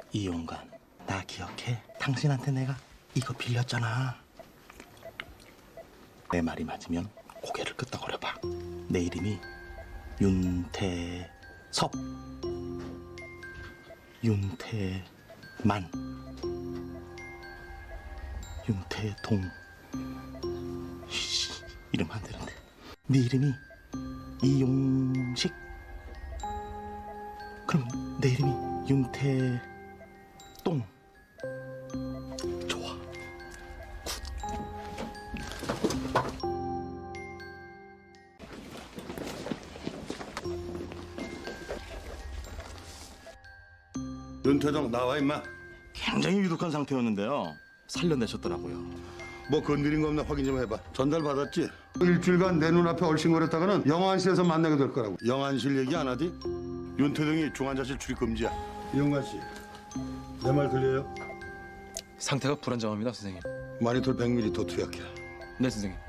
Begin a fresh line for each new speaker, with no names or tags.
이용관, 나 기억해? 당신한테 내가 이거 빌렸잖아. 내 말이 맞으면 고개를 끄덕거려봐. 내 이름이 윤태섭, 윤태만, 윤태동. 이름 안 되는데. 네 이름이 이용식. 그럼 내 이름이 윤태똥. 좋아.
윤태동 나와 임마.
굉장히 유독한 상태였는데요. 살려내셨더라고요.
뭐 건드린 거 없나 확인 좀 해봐. 전달 받았지? 일주일간 내 눈앞에 얼씬거렸다가는 영안실에서 만나게 될 거라고. 영안실 얘기 안 하디? 윤태동이 중환자실 출입 금지야. 이용관 씨, 내 말 들려요?
상태가 불안정합니다, 선생님.
마니톨 100ml 더 투약해.
네, 선생님.